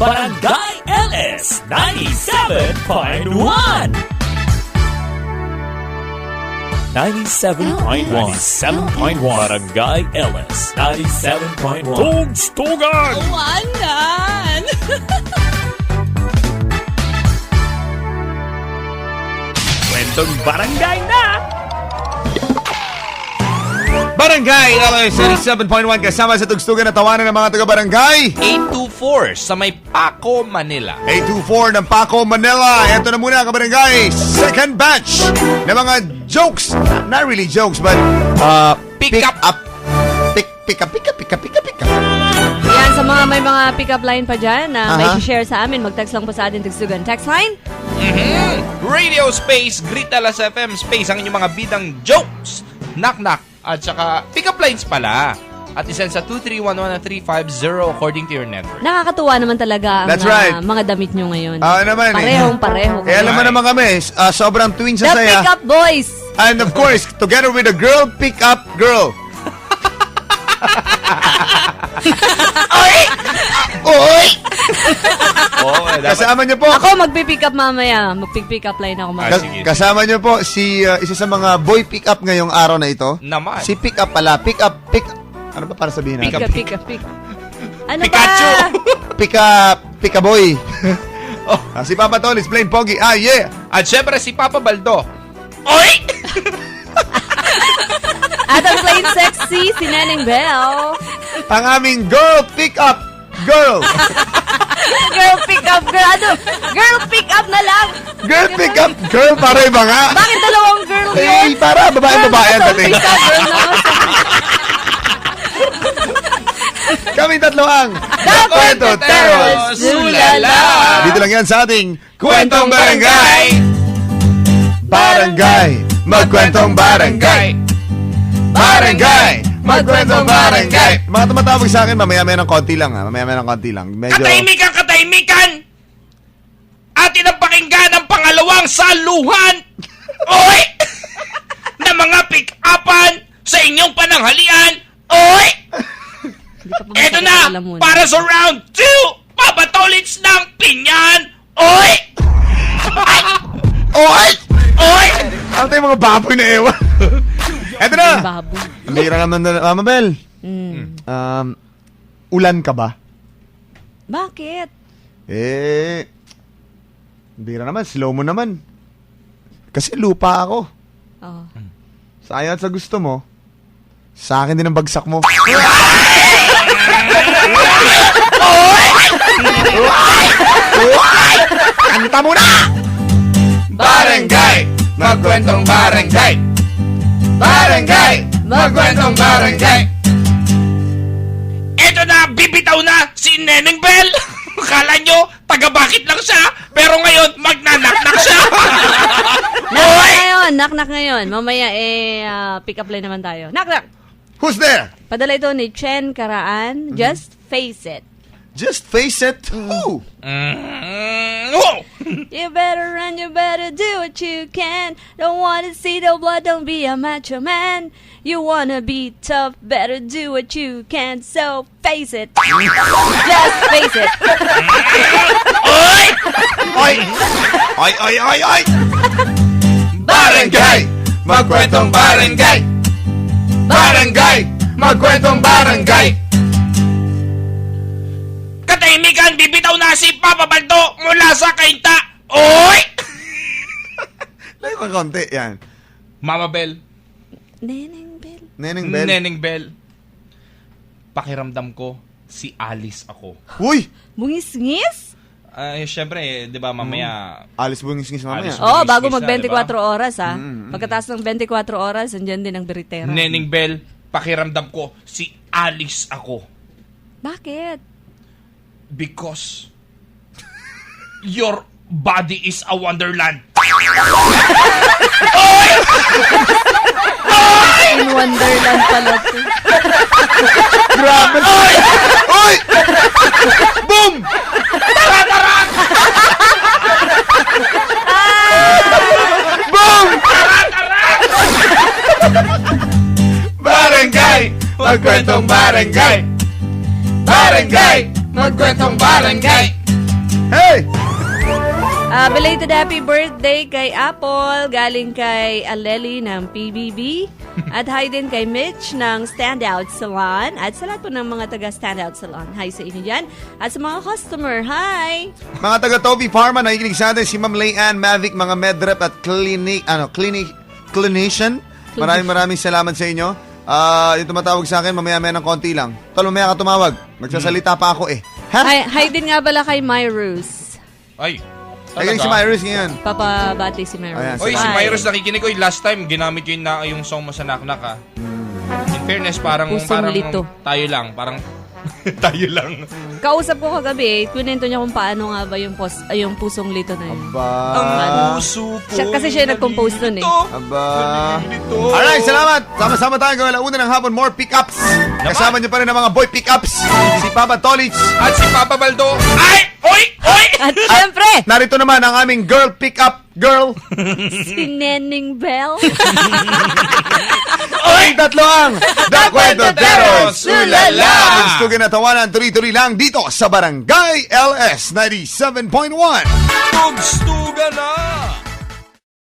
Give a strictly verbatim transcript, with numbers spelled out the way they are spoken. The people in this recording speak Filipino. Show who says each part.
Speaker 1: Barangay L S ninety-seven point one. ninety-seven point one. ninety-seven point one. Barangay L S ninety-seven point one. Tugstugan!
Speaker 2: Wanan!
Speaker 1: Kwentong barangay na!
Speaker 3: Barangay L S ninety-seven point one kasama sa tugstugan na tawanan ng mga taga-barangay.
Speaker 4: eight two four sa may Paco, Manila.
Speaker 3: eight two four ng Paco, Manila. Ito na muna kabarangay. Second batch ng mga jokes. Not really jokes, but uh,
Speaker 4: Pick
Speaker 3: pick
Speaker 4: up.
Speaker 3: up. Pick, pick up, pick up, pick up, pick up, pick up.
Speaker 2: Yan, sa mga may mga pick-up line pa dyan na may
Speaker 3: Aha.
Speaker 2: share sa amin, mag-text lang po sa ating tugstugan. Text line?
Speaker 4: Mm-hmm. Radio Space, Gritalas F M Space, ang inyong mga bidang jokes, knock-knock, at saka pick-up lines pala. At isend sa two three one one three five zero according to your network.
Speaker 2: Nakakatuwa naman talaga ang
Speaker 3: That's right.
Speaker 2: uh, mga damit nyo ngayon.
Speaker 3: Ah, naman eh.
Speaker 2: Parehong-pareho.
Speaker 3: Eh, alam mo naman kami, uh, sobrang tuwing
Speaker 2: The
Speaker 3: sa saya.
Speaker 2: Pick-up Boys!
Speaker 3: And of course, together with a girl, pick up girl. Oy! Oy!
Speaker 4: Oo, eh, dapat.
Speaker 3: Kasama niyo po.
Speaker 2: Ako magpipick up mamaya. Magpipick up line ako
Speaker 4: Ah,
Speaker 2: mamaya.
Speaker 3: Kas-
Speaker 4: sige.
Speaker 3: kasama niyo po si uh, isa sa mga boy pick up ngayong araw na ito.
Speaker 4: Naman.
Speaker 3: Si pick up pala. Pick up, pick Ano ba para sabihin
Speaker 2: Pick
Speaker 3: natin?
Speaker 2: up, pick up, pick up. Ano
Speaker 4: Pikachu!
Speaker 2: ba?
Speaker 3: Pick up, pick up boy. Oh, ah, si Papa Tolis playing Pogi. Ah, yeah.
Speaker 4: At syempre si Papa Baldo. Oy!
Speaker 2: At ang plain sexy, si Neneng Bell.
Speaker 3: Ang aming girl pick up girl.
Speaker 2: Girl pick up, girl. Ano? Girl pick up na lang.
Speaker 3: Girl pick up girl para iba nga.
Speaker 2: Bakit dalawang girl yun?
Speaker 3: Eh, para babae-babae ang
Speaker 2: Girl
Speaker 3: dating.
Speaker 2: pick up, girl na.
Speaker 3: Kami tatlo ang
Speaker 2: The Kwentoteros, Zulala.
Speaker 3: Dito lang yan sa ating Kwentong Barangay. Barangay, magkwentong barangay. Barangay, magkwentong barangay. Mga tumatawag sa akin, mamaya-maya ng konti lang ha. Mamaya-maya ng konti lang. Medyo...
Speaker 4: Katahimikan, katahimikan! Atin ang pakinggan ang pangalawang saluhan! Oy! Na mga pick-upan sa inyong pananghalian! Oy! Eto na! Para sa round two! Papatolits ng pinyan! Oy!
Speaker 3: Oy!
Speaker 4: Oy!
Speaker 3: Ano tayo mga baboy na ewan? Eto na!
Speaker 2: Baboy.
Speaker 3: Ang bira naman na, Mama Bel.
Speaker 2: Mm.
Speaker 3: Um, ulan ka ba?
Speaker 2: Bakit?
Speaker 3: Eh, bira naman, slow mo naman. Kasi lupa ako.
Speaker 2: Oh.
Speaker 3: Sayang sa gusto mo, sa akin din ang bagsak mo. Kanta mo na!
Speaker 4: Barangay! Magkwentong barangay! Barangay! Magkwentong barangay! Eto na, bibitaw na si Neneng Bell! Kala nyo, taga-bakit lang siya, pero ngayon, magnanaknak siya!
Speaker 2: Knock ngayon, knock knock ngayon. Mamaya eh, ah, pick up line naman tayo. Knock knock!
Speaker 3: Who's there?
Speaker 2: Padala ito ni Chen Karaan. Just face it.
Speaker 3: Just face it. Who?
Speaker 4: Mm, oh!
Speaker 2: You better run, you better do what you can. Don't wanna see the blood, don't be a macho man. You wanna be tough, better do what you can. So face it. Just face it.
Speaker 4: Oy!
Speaker 3: Oy! Oy, oy, oy, oy!
Speaker 4: Barangay! Magkwentong barangay! Barangay! Magkwentong barangay! Katahimikan, bibitaw na si Papa Baldo mula sa kainta! Oy!
Speaker 3: Layo ka konti, yan.
Speaker 4: Mama Bell,
Speaker 2: Neneng Bell.
Speaker 3: Neneng Bell.
Speaker 4: Neneng Bell, pakiramdam ko si Alice ako.
Speaker 3: Uy!
Speaker 2: Bungis-ngis?
Speaker 4: Ay, syempre, eh, di ba mamaya...
Speaker 3: Alis bungis-ngis mamaya.
Speaker 4: Alis
Speaker 2: Oo, oh, bago
Speaker 4: Bungis-ngis
Speaker 2: mag
Speaker 4: na,
Speaker 2: twenty-four oras ha.
Speaker 3: Mm, mm.
Speaker 2: Pagkatapos ng twenty-four oras, andyan din ang beritera.
Speaker 4: Neneng Bell, pakiramdam ko si Alice ako.
Speaker 2: Bakit?
Speaker 4: Because your body is a wonderland.
Speaker 2: In Wonderland pala to.
Speaker 3: Grabe! Oy! Oy! Boom! Boom!
Speaker 4: Barangay! Magkwentong barangay! Barangay! Magkwentong barangay!
Speaker 3: Hey!
Speaker 2: Ah, belated happy birthday kay Apple, galing kay Aleli ng P B B. At hi din kay Mitch ng Standout Salon. At sa lahat po ng mga taga Standout Salon, hi sa inyo dyan. At sa mga customer, hi!
Speaker 3: Mga taga Toby Pharma, nakikinig sa atin si Ma'am Layanne Mavic, mga medrep at clinic, ano, clinic, clinician. Maraming maraming salamat sa inyo. Ah, yung tumatawag sa akin, mamaya-maya ng konti lang. Tol, mamaya ka tumawag. Magsasalita pa ako eh. Ha?
Speaker 2: Hi, hi din nga pala kay Myrus.
Speaker 4: Ay,
Speaker 3: Nakikinig si Myrus ngayon.
Speaker 2: Papabati si Myrus.
Speaker 3: Ayan,
Speaker 4: Oy, si
Speaker 2: Hi.
Speaker 4: Myros nakikinig. Oy, last time, ginamit ko yung, na, yung song mo sa Naknak, ha? In fairness, parang,
Speaker 2: Pusong
Speaker 4: parang
Speaker 2: lito.
Speaker 4: tayo lang. Parang tayo lang.
Speaker 2: Kausap ko kagabi, kunento niya kung paano nga ba yung, pos, ay, yung pusong lito na yun.
Speaker 3: Aba.
Speaker 2: Ano?
Speaker 4: Puso ko.
Speaker 2: Siya- kasi siya nag-compose nun eh.
Speaker 3: Aba.
Speaker 4: Nalilito.
Speaker 3: Alright, salamat. Sama-sama tayo gawin ang una ng hapon. More pick-ups. Kasama niyo pa rin ang mga boy pick-ups. Si Papa Tolich.
Speaker 4: At si Papa Baldo. Ay! Oy! Oy!
Speaker 2: At syempre,
Speaker 3: Narito naman ang aming girl pick-up girl.
Speaker 2: si Neneng Bell.
Speaker 3: Oy! Tatlo ang The Kwentoteros.
Speaker 4: Ulala!
Speaker 3: Gusto kinatawanan, tuloy-tuloy lang dito sa Barangay L S ninety-seven point one.
Speaker 4: Tugstugan na!